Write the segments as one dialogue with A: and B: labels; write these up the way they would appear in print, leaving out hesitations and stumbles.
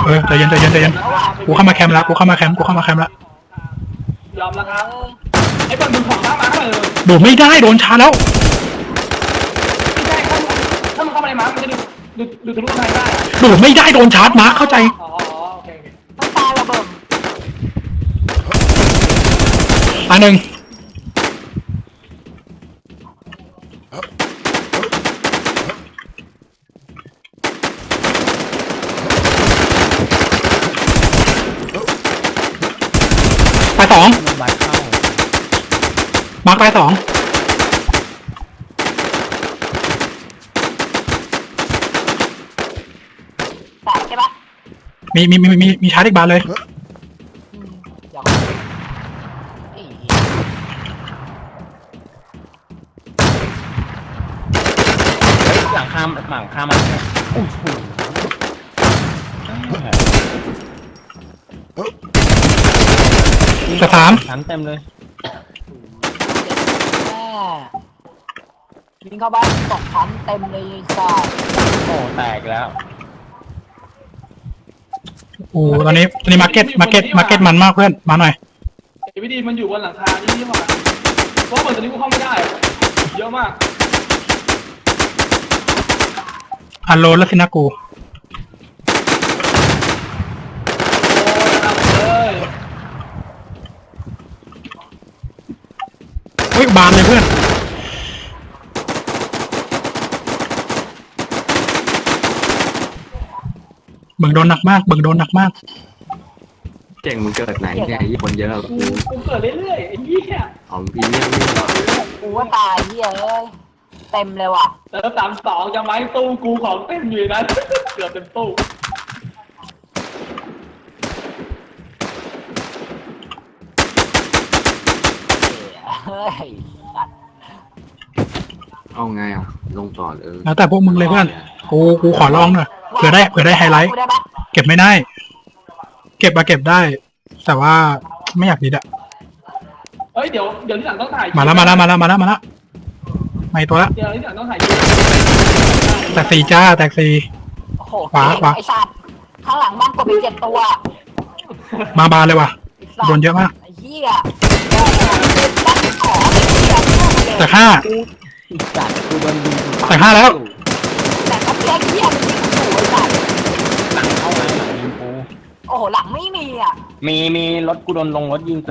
A: ใจเย็นกูเข้ามาแคมป์แล้ว
B: ยอมแล้วครับไอ้บอลดูของมาเลย
A: โดดไม่ได้โดนชาแล้ว
B: ไม่ใช่ถ้ามันเข้ามาในม้ามันจะดูทะลุทางได้
A: โดดไม่ได้โดนชาร์จมาเข้าใจ
B: อ๋อโอเค
C: ต้องตายระเบิด
A: อันหนึ่งไปสองมาร์คไปสอง
C: ใช่ปะ
A: มีชาร์จอีกบานเลย
D: หลังคามันโอ้โห
A: กระถาม
D: ชั้นเต็มเลย
C: ยิงเข้าบ้านตกชั้นเต็มเลยจ้า
D: โอ้แตกแล้ว
A: โอ้ตอนนี้มาร์เก็ตมันมากเพื่อนมาหน่อย
B: วิธีมันอยู่บนหลังคานี่หว่าเพราะเหมือนตอนนี้กูเข้าไม่ได้เยอะมาก
A: อันโลแล้วสินะกูเฮ้ยบานเลยเพื่อนเบิ่งโดนหนักมาก
E: เก่งมึงเกิดไหนเนี่ยญี่ปุ่นเยอะ
B: กูเกิดเรื่อยๆไอ้เหี้ย
E: ของพี่เนี่ย
C: กูว่าตายเหี้ยเอ้ยเต็มเลยว่ะ
B: เติม32จะไม้ตู้กูของเต็มอยู่นั้นเกือบเต็มตู้
C: เฮ้ย
E: เอาไงอ่ะลงต่อ
A: แล้วแต่พวกมึงเลยเพื่อนกูขอลองหน่อยเผื่อได้ไฮไลท์เก็บไม่ได้เก็บได้ แต่ว่าไม่อยากดีอะ
B: เฮ้ยเดี๋ยวที่หลังต้องถ่าย
A: มาแล้วไม่ตัวละ
B: เดี๋ยวที่หลังต้องถ่าย
A: แตกสี่จ้าแตกสี่ขวา
C: ไอ้สัตว์ข้างหลังบ้านกดไป7ตัว
A: มาบานเลยว่ะโดนเยอะมาก
C: ไอ้เหี้ยบ้านขอ
A: แต่5แต่5แล้ว
C: แต่ก็เพี้ยนเหี้ยมันยิงถูกไอ้สัตว์
D: หลังเข้ามาหลังยิงกู
C: โอ้โหหลังไม่มีอ่ะ
D: มีรถกูโดนลงรถยิงกู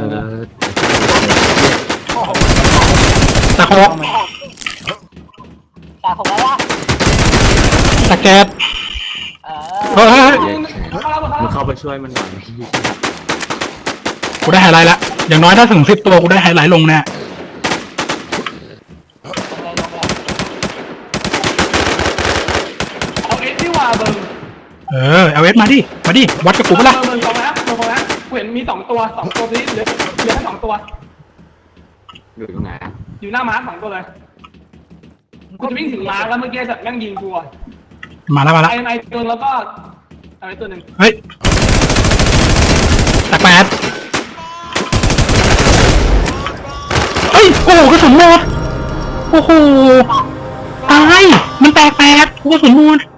A: แต่6
C: แล้วล่ะ
A: แต่แกด
E: มึงเข้าไปช่วยมันหน่อย
A: กูได้ไฮไลท์ละอย่างน้อยถ้าถึง10ตัวกูได้ไฮไลท์ลงแน่
B: เอาเอสที่ว่าเบิ้ง
A: เอาเอสมาดิวัดกับกูปะล่ะ
B: เบิ้งนะกูเห็นมี2ตัวนี้เหลือแค่2ตัว
E: อยู่ตรงไหน
B: อยู่หน้าม้า2ตัวเลยกูจะวิ่งถึงม้าแล้วเมื่อกี้สัตว์แม่งยิงกู
A: มาแล้ว
B: ไอ้ตัวแล้วก็อะไรตัวหนึ่ง
A: เฮ้ยแต่8เฮ้ยโอ้โหกระสุนหมดโอ้โหตายมันแตก8กระสุนหมด